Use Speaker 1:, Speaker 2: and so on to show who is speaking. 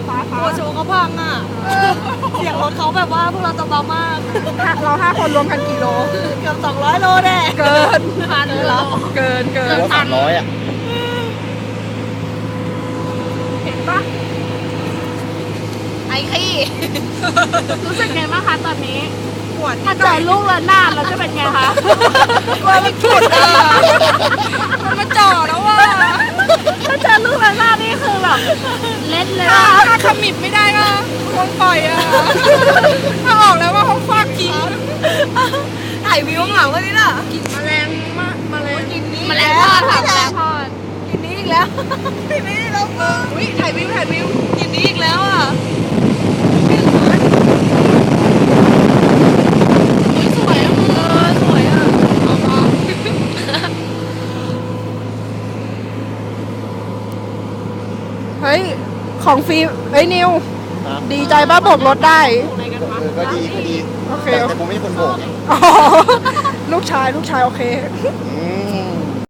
Speaker 1: โอ้โชว์เขาพังอ่ะเสียงรถเขาแบบว่าพวกเราจะเบามาก
Speaker 2: เรา5 คนรวมกันกี่โล
Speaker 1: เกือบ200 โลแน่
Speaker 2: เกิน
Speaker 1: พันเหรอ
Speaker 2: เกิน
Speaker 3: ว่า300อ่ะ
Speaker 2: เห็นปะ
Speaker 1: ไอ้ขี้
Speaker 2: รู้สึกไงบ้างคะตอนนี้
Speaker 1: ปวด
Speaker 2: ถ้าเจอลูกระนาดเราจะเป็นไงคะ
Speaker 1: กลัวมันฉุดอ่ะมันมาจ่อแล้วว่ะ
Speaker 2: ถ้าเจอลูกระนาดนี่คือแบบเล่นเลย
Speaker 1: ถ้าขมิบไม่ได้ก็คงปล่อยอ่ะถ้าออกแล้วว่าคงฟาดทิ้งถ่ายวิวเหงากันนี่น่ะกินแมลงมากแมลงกินนี้
Speaker 2: แมลงทอดค่ะแมลงทอด
Speaker 1: กินนี้อีกแล้วกินนี้อีกแล้วอุ้ยถ่ายวิวกินนี้อีกแล้วอ่ะสวยอ่ะสวยอ่ะ
Speaker 2: เฮ้ยของฟรีเฮ้ยนิว
Speaker 3: ครับ
Speaker 2: ดีใจป่ะโบกรถได้
Speaker 3: ก็ดีก็ดี
Speaker 2: โอเค
Speaker 3: แต่กูไม่ใช่คนโบกไง
Speaker 2: อ๋อลูกชายโอเค
Speaker 3: อืม